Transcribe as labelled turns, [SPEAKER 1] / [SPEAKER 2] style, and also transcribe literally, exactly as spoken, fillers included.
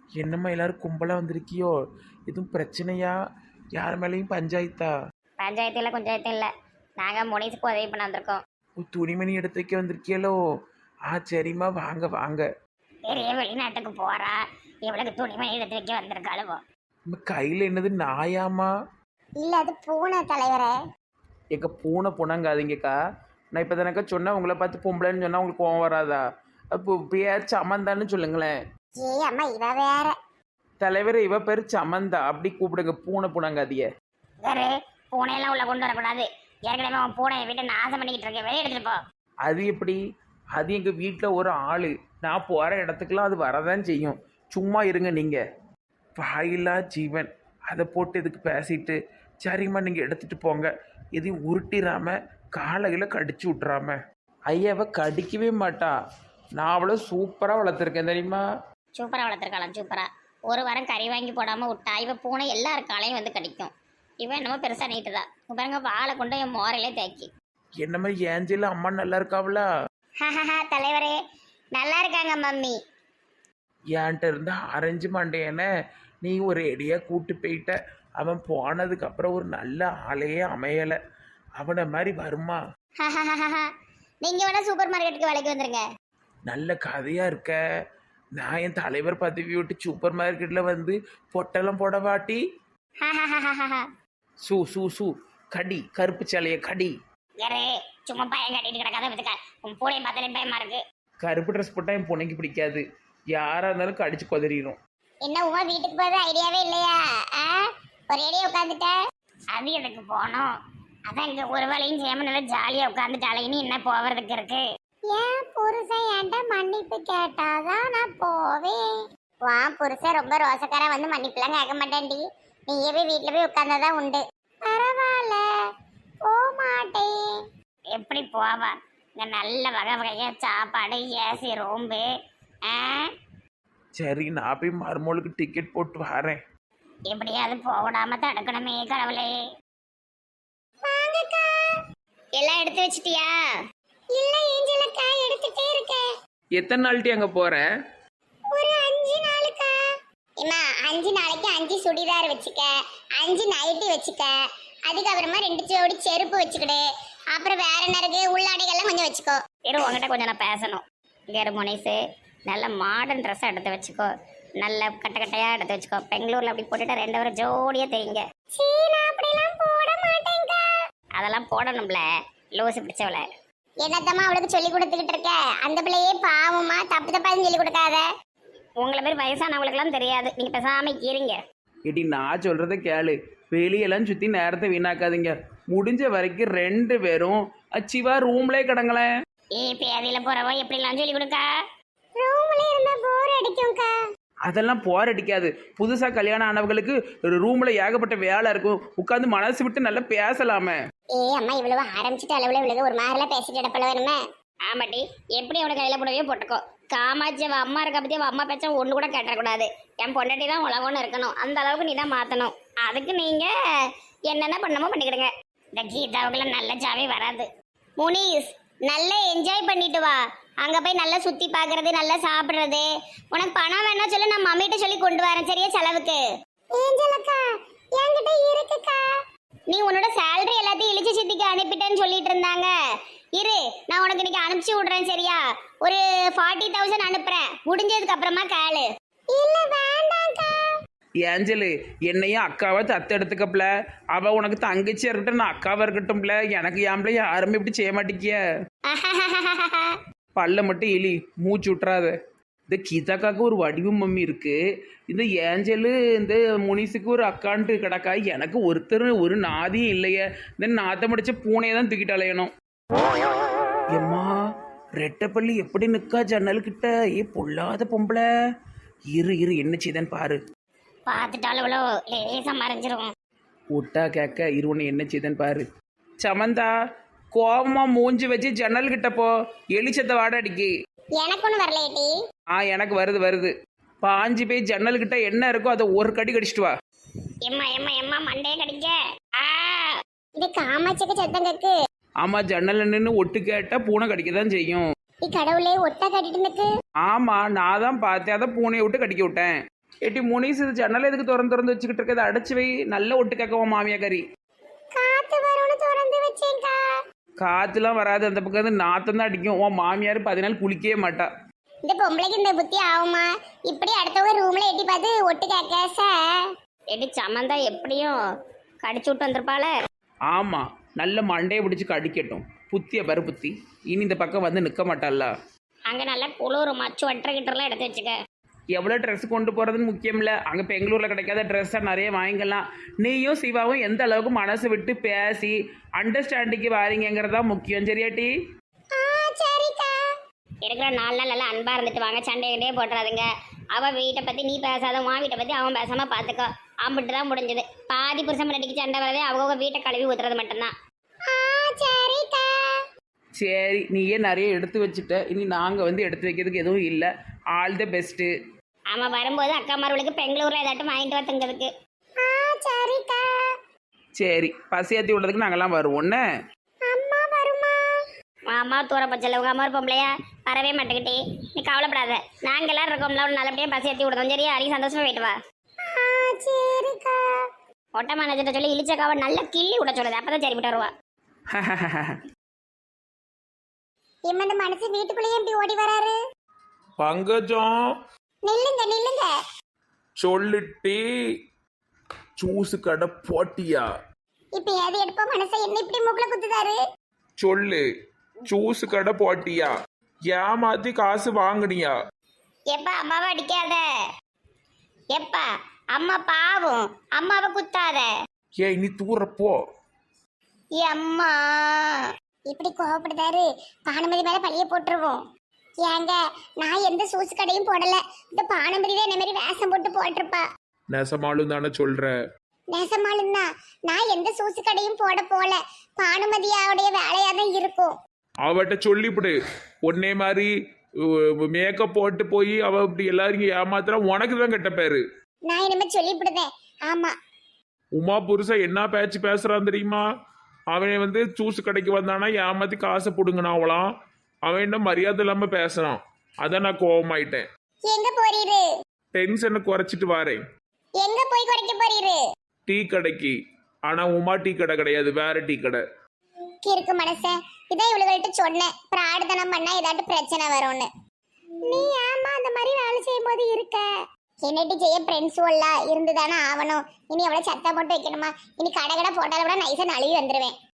[SPEAKER 1] என்னம்மா எல்லாரும் கும்பலா வந்திருக்கியோ? எதுவும் பிரச்சனையா? யார் மேலேயும் பஞ்சாயத்தா?
[SPEAKER 2] பஞ்சாயத்து பஞ்சாயத்து இல்லை, நாங்கள் முனிசுக்கு உதவி பண்ண வந்திருக்கோம்.
[SPEAKER 1] ஓ, துணிமணி எடுத்து வைக்க வந்திருக்கியலோ? ஆ சரிம்மா, வாங்க வாங்க.
[SPEAKER 2] பெரிய வெளிநாட்டுக்கு போறா, இவளுக்கு துணிமணி எடுத்து வைக்க வந்திருக்காளுவோ.
[SPEAKER 1] நம்ம கையில் என்னது, நாயாமா?
[SPEAKER 2] இல்லை, அது பூனை தலைவரே.
[SPEAKER 1] எங்க பூனை புணங்காதீங்கக்கா. நான் இப்போ தானக்கா சொன்னேன், உங்களை பார்த்து பொம்பளைன்னு சொன்னால் உங்களுக்கு கோவம் வராதா? அப்போ பேர் சமந்தான்னு சொல்லுங்களேன்.
[SPEAKER 2] ஏ அம்மா, இவ வேற.
[SPEAKER 1] தலைவர், இவ பேர் சமந்தா, அப்படி கூப்பிடுங்க. பூனை புணங்காதிய.
[SPEAKER 2] வேறு பூனையெல்லாம் உள்ள கொண்டு வரக்கூடாது. ஏற்கனவே அவன் பூனையை விட்டு நாசம் பண்ணிக்கிட்டு இருக்கேன், வெளியே எடுத்துட்டு போ.
[SPEAKER 1] அது எப்படி? அது எங்கள் வீட்டில் ஒரு ஆள். நான் போகிற இடத்துக்குலாம் அது வரதான் செய்யும். சும்மா இருங்க நீங்கள். வாயிலா ஜீவன். அதை போட்டு இதுக்கு பேசிட்டு சரிம்மா நீங்கள் எடுத்துகிட்டு போங்க. எதையும் உருட்டிடாம காலையில் கடிச்சு விட்றாம. ஐயாவை கடிக்கவே மாட்டா. நான் அவளை சூப்பராக வளர்த்துருக்கேன் தெரியுமா?
[SPEAKER 2] சூப்பராக வளர்த்துருக்கலாம், சூப்பரா. ஒரு வாரம் கறி வாங்கி போடாமல் விட்டா இவ பூனை எல்லார் காலையும் வந்து கடிக்கும். இவன் என்னமோ பெருசாக நீட்டு தான். பாருங்க, வாழை கொண்டு என் மோரையிலே தேக்கி.
[SPEAKER 1] என்னம்மா ஏஞ்சல அம்மா நல்லா இருக்காவளா?
[SPEAKER 2] தலைவரே, நல்லா இருக்காங்க மம்மி.
[SPEAKER 1] ஏன்ட்ட இருந்து அரைஞ்சு மாட்டேன்னு நீ ஒரு எடியாக கூட்டு போயிட்ட. அவன் போனதுக்கப்புறம் ஒரு நல்ல ஆளையே அமையலை. அவனை மாதிரி வருமா?
[SPEAKER 2] நீங்க வேணா சூப்பர் மார்க்கெட்டுக்கு வேலைக்கு வந்துருங்க.
[SPEAKER 1] நல்ல கதையாக இருக்க. நான் என் தலைவர் பதவி விட்டு சூப்பர் மார்க்கெட்டில் வந்து பொட்டெல்லாம் போட வாட்டி. சூ சூ சூ கடி, கருப்பு சேலைய கடி.
[SPEAKER 2] யாரே சும்மா பயம் கட்டிட்டு கிடக்காத பத்துக்க. உன் பூனையை பார்த்தாலே பயமா இருக்கு.
[SPEAKER 1] கருப்பு ட்ரெஸ் போட்டால் என் பொண்ணைக்கு பிடிக்காது. யாராக இருந்தாலும் கடிச்சு கொதறிடும்.
[SPEAKER 2] என்ன உமா, வீட்டுக்கு போகிறது ஐடியாவே இல்லையா? ஒரு ஐடியா உட்காந்துட்ட. அது எதுக்கு போனோம்? அதான் இங்க ஒரு வேலையும் செய்யாம நல்லா ஜாலியா உட்காந்துட்டாலே. இனி என்ன போவதுக்கு இருக்கு? ஏன் புருஷன் என்கிட்ட மன்னிப்பு கேட்டாதான் நான் போவேன். வா, புருஷன் ரொம்ப ரோசக்காரா வந்து மன்னிப்புலாம் கேட்க மாட்டேன்டி. நீயே போய் வீட்டுல போய் உட்கார்ந்தாதான் உண்டு. பரவாயில்ல, போக மாட்டேன். எப்படி போவா? இங்க நல்ல வகை வகையா சாப்பாடு, ஏசி ரூம்பு.
[SPEAKER 1] சரி, நான் போய் மருமகளுக்கு டிக்கெட் போட்டு வரேன்.
[SPEAKER 2] எப்படியாவது போடாம தடுக்கணுமே கடவுளே. வாங்கக்கா. எல்லாம் எடுத்து வச்சிட்டியா? இல்ல ஏஞ்சலக்கா, எடுத்துட்டே இருக்கேன்.
[SPEAKER 1] எத்தனை நாள்ட்டி அங்கே போற?
[SPEAKER 2] ஒரு அஞ்சு நாளுக்கா. இம்மா, அஞ்சு நாளைக்கு அஞ்சு சுடிதார் வச்சுக்க, அஞ்சு நைட்டி வச்சுக்க, அதுக்கப்புறமா ரெண்டு ஜோடி செருப்பு வச்சுக்கிடு. அப்புறம் வேற என்ன இருக்கு, உள்ளாடைகள்லாம் கொஞ்சம் வச்சுக்கோ. இரு, உங்ககிட்ட கொஞ்சம் நான் பேசணும். கேரு முனிசு, நல்ல மாடர்ன் ட்ரெஸ்ஸாக எடுத்து வச்சுக்கோ. நல்ல கட்ட கட்டையாக எடுத்து வச்சுக்கோ. பெங்களூர்ல அப்படி போட்டுட்டு ரெண்டு பேரும் ஜோடியா தெரியுங்க. அப்படிலாம் போட மாட்டேங்க. அதெல்லாம் போடணும்ல, லூசு பிடிச்சவள. என்னத்தம்மா அவளுக்கு சொல்லி கொடுத்துக்கிட்டு இருக்க? அந்த பிள்ளையே பாவமா, தப்பு தப்பாதுன்னு சொல்லி கொடுக்காத. உங்களை பேர் வயசானவங்களுக்குலாம் தெரியாது. நீங்க பேசாம கீரிங்க.
[SPEAKER 1] இடி, நான் சொல்றத கேளு. வெளியெல்லாம் சுத்தி நேரத்தை வீணாக்காதீங்க. முடிஞ்ச வரைக்கும் ரெண்டு பேரும் அச்சிவா ரூம்லயே கிடங்களேன்.
[SPEAKER 2] ஏ பேதியில போறவோ எப்படிலாம் சொல்லி கொடுக்கா? ரூம்ல இருந்தா போர் அடிக்கும்க்கா.
[SPEAKER 1] அதெல்லாம் போர் அடிக்காது. புதுசா கல்யாணம் ஆனவங்களுக்கு ரூம்ல ஏகப்பட்ட வேலை இருக்கும். உட்காந்து மனசு விட்டு நல்லா பேசலாமே.
[SPEAKER 2] ஏ அம்மா, இவ்வளவு ஆரம்பிச்சுட்டு அளவுல இவ்வளவு ஒரு மாதிரில பேசிட்டு இடப்பல வேணுமே. ஆமாட்டி, எப்படி அவனை கையில போடவே போட்டுக்கோ. காமாட்சி அவ அம்மா இருக்க பத்தி அவ அம்மா பேச்ச ஒண்ணு கூட கேட்டக்கூடாது. என் பொண்டாட்டி தான் உலகம்னு இருக்கணும். அந்த அளவுக்கு நீ தான் மாத்தணும். அதுக்கு நீங்க என்னென்ன பண்ணமோ பண்ணிக்கிடுங்க. இந்த கீதாவுக்குலாம் நல்ல ஜாவே வராது. முனிஸ், நல்லா என்ஜாய் பண்ணிட்டு வா. அங்க போய் நல்லா சுத்தி பாக்குறது, நல்லா சாப்பிடுறது. உனக்கு பணம் வேணா சொல்லு, நான் மம்மிட்ட சொல்லி கொண்டு வரேன். சரியா? செலவுக்கு ஏஞ்சலக்கா என்கிட்ட இருக்குக்கா. நீ உன்னோட சேலரி எல்லாத்தையும் இழிச்சு சித்திக்கு அனுப்பிட்டேன்னு சொல்லிட்டு இருந்தாங்க. இரு, நான் உனக்கு இன்னைக்கு அனுப்பிச்சு விடுறேன். சரியா? ஒரு ஃபார்ட்டி தௌசண்ட் அனுப்புறேன். முடிஞ்சதுக்கு அப்புறமா கேளு. இல்ல வேண்டாம்க்கா.
[SPEAKER 1] ஏஞ்சலு, என்னையும் அக்காவை தத்து எடுத்துக்கப்பல. அவ உனக்கு தங்கச்சியா இருக்கட்டும், நான் அக்காவா இருக்கட்டும்ல. எனக்கு ஏன்ல யாருமே இப்படி செய்ய மாட்டேங்கிய. பல்ல மட்டும் எலி, மூச்சு விட்டுறாத. இந்த கீதாக்காக்கு ஒரு வடிவு மம்மி இருக்கு. இந்த ஏஞ்சலு இந்த முனிசுக்கு ஒரு அக்கான்ட்டு கிடக்கா. எனக்கு ஒருத்தர் ஒரு நாதியும் இல்லையே. இந்த நாத்த முடிச்ச பூனையை தான் தூக்கிட்டு அலையணும். எம்மா, ரெட்டப்பள்ளி எப்படி நிற்கா ஜன்னல்கிட்ட. ஏ பொல்லாத பொம்பளை. இரு இரு, என்ன செய்தேன்னு பாரு.
[SPEAKER 2] பார்த்துட்டாலும் இவ்வளோ லேசா மறைஞ்சிரும்.
[SPEAKER 1] விட்டா கேட்க, இரு ஒன்று என்ன செய்தேன்னு பாரு. சமந்தா, கோபமா மூஞ்சி வச்சு ஜன்னல் கிட்ட போ. எலிச்சத்தை வாட அடிக்கி.
[SPEAKER 2] எனக்கு ஒண்ணு வரலையேட்டி.
[SPEAKER 1] ஆ, எனக்கு வருது வருது. பாஞ்சு போய் ஜன்னல் கிட்ட என்ன இருக்கோ அதை ஒரு கடி கடிச்சிட்டு வா.
[SPEAKER 2] எம்மா எம்மா எம்மா, மண்டையே கடிக்க. இது காமாட்சிக்கு சத்தம் கேக்கு.
[SPEAKER 1] ஆமா, ஜன்னல் நின்று ஒட்டு கேட்டா பூனை கடிக்க தான் செய்யும்.
[SPEAKER 2] கடவுளே, ஒட்டா கட்டிட்டு நிக்கு.
[SPEAKER 1] ஆமா, நான் தான் பார்த்தேன். அதை பூனையை விட்டு கடிக்க விட்டேன். ஏட்டி முனிஸ் இது ஜன்னல் எதுக்கு திறந்து திறந்து வச்சுக்கிட்டு இருக்கதை அடைச்சி வை, நல்ல ஒட்டு கேட்கவும் மாமியா கறி.
[SPEAKER 2] காத்து வரும்னு திறந்து வச்சேன்க்கா.
[SPEAKER 1] காற்றுலாம் வராது, அந்த பக்கம் வந்து நாத்தம் தான் அடிக்கும். உன் மாமியார் பதினாள் குளிக்கவே மாட்டா.
[SPEAKER 2] இந்த பொம்பளைக்கு இந்த புத்தி ஆகுமா? இப்படி அடுத்தவங்க ரூம்ல எட்டி பார்த்து ஒட்டு கேட்க சார். எடி சமந்தா எப்படியும் கடிச்சு விட்டு வந்திருப்பாள.
[SPEAKER 1] ஆமாம், நல்ல மண்டையை பிடிச்சி கடிக்கட்டும். புத்திய பரு புத்தி, இனி இந்த பக்கம் வந்து நிற்க மாட்டாள்ல.
[SPEAKER 2] அங்கே நல்லா குளிர் மச்சு வட்டுற கிட்டலாம் எடுத்து வச்சுக்க.
[SPEAKER 1] எவ்வளோ ட்ரெஸ் கொண்டு போகிறதுன்னு முக்கியம் இல்லை, அங்கே பெங்களூரில் கிடைக்காத ட்ரெஸ்ஸாக நிறைய வாங்கிக்கலாம். நீயும் சிவாவும் எந்த அளவுக்கு மனசு விட்டு பேசி அண்டர்ஸ்டாண்டிங்கு வாரீங்கிறதா முக்கியம். சரியாட்டி?
[SPEAKER 2] இருக்கிற நாலு நாள் நல்லா அன்பா இருந்துட்டு வாங்க, சண்டைகிட்டே போட்டுறாதுங்க. அவள் வீட்டை பற்றி நீ பேசாத, உன் வீட்டை பற்றி அவன் பேசாம பார்த்துக்கோ. அம்பிட்டு தான் முடிஞ்சது. பாதி புருஷன் முன்னாடிக்கு சண்டை வரதே அவங்க வீட்டை கழுவி ஊத்துறது மட்டும்தான்.
[SPEAKER 1] சரி, நீயே நிறைய எடுத்து வச்சுட்ட, இனி நாங்கள் வந்து எடுத்து வைக்கிறதுக்கு எதுவும் இல்லை. All the best.
[SPEAKER 2] ஆமாம், வரும்போது அக்கா மார்களுக்கு பெங்களூரில் ஏதாட்டும் வாங்கிட்டு வரத்துங்கிறதுக்கு. சரிக்கா.
[SPEAKER 1] சரி, பசியாத்தி விடுறதுக்கு நாங்கள்லாம் வருவோன்னு.
[SPEAKER 2] அம்மா வருமா? அம்மா தூர பச்சல உங்க அம்மா ஒரு பொம்பளையா வரவே மாட்டேங்கிட்டே. நீ கவலைப்படாத, நாங்கள் எல்லாரும் இருக்கோம்ல, ஒரு நல்லபடியாக பசியாத்தி விடுறோம். சரியா? அடி சந்தோஷமா போயிட்டு வா. சரிக்கா. ஒட்ட மேனேஜர்கிட்ட சொல்லி இழிச்சக்காவை நல்லா கிள்ளி விட சொல்லுது, அப்பதான் சரிப்பட்டு வருவா. இந்த மனசு வீட்டுக்குள்ளேயே எப்படி ஓடி வராரு?
[SPEAKER 3] பங்கஜம்
[SPEAKER 2] நில்லுங்க நில்லுங்க.
[SPEAKER 3] சொல்லிட்டு ஜூஸ் கடை போட்டியா?
[SPEAKER 2] இப்ப ஏது எடுப்ப மனசை என்ன இப்படி மூக்குல குத்துதாரு?
[SPEAKER 3] சொல்லு, ஜூஸ் கடை போட்டியா? ஏமாத்தி காசு வாங்குனியா?
[SPEAKER 2] எப்பா அம்மாவை அடிக்காத. எப்பா அம்மா பாவம், அம்மாவை குத்தாத.
[SPEAKER 3] ஏய் நீ தூரப்போ.
[SPEAKER 2] அம்மா இப்படி கோவப்படுதாரு, பானுமதி மேல பழிய போட்டுருவோம். ஏங்க, நான் எந்த சூசு கடையும் போடல. இந்த பானுமதி தான் என்ன மாதிரி வேஷம் போட்டு போட்டிருப்பா.
[SPEAKER 3] நெசமாலும் தானே சொல்ற?
[SPEAKER 2] நெசமாலும் தான். நான் எந்த சூசு கடையும் போட போல. பானுமதியாவுடைய வேலையா தான் இருக்கும்.
[SPEAKER 3] அவட்ட சொல்லிவிடு, உன்னே மாதிரி மேக்கப் போட்டு போய் அவ இப்படி எல்லாரும் ஏமாத்துறா, உனக்கு தான் கெட்ட பேரு.
[SPEAKER 2] நான் இனிமே சொல்லிவிடுதேன். ஆமா,
[SPEAKER 3] உமா புருஷன் என்ன பேச்சு பேசுறான் தெரியுமா? அவன் வந்து ஜூஸ் கடைக்கு வந்தானா ஏமாத்தி காசை பிடுங்கனா அவளாம். அவன் என்ன மரியாதை இல்லாம பேசுறான். அதான் நான் கோவமாயிட்டேன்.
[SPEAKER 2] எங்க போறீரு?
[SPEAKER 3] டென்ஷனை குறைச்சிட்டு வாரேன்.
[SPEAKER 2] எங்க போய் குறைக்க போறீரு?
[SPEAKER 3] டீ கடைக்கு. ஆனா உமா டீ கடை கிடையாது, வேற டீ கடை.
[SPEAKER 2] இருக்கு மனசே, இதான் இவளுகள்கிட்ட சொன்னேன், பிரார்த்தனம் பண்ணா ஏதாட்டு பிரச்சனை வரும்னு. நீ ஏமா அந்த மாதிரி வேலை செய்யும் போது இருக்க? என்னட்டு செய்ய ஃப்ரெண்ட்ஸ் எல்லாம் இருந்துதானே ஆகணும். இனி எவ்வளவு சத்தம் போட்டு வைக்கணுமா? இனி கடை கடை போட்டாலும் கூட நைஸா நழுவி வந்துருவேன்.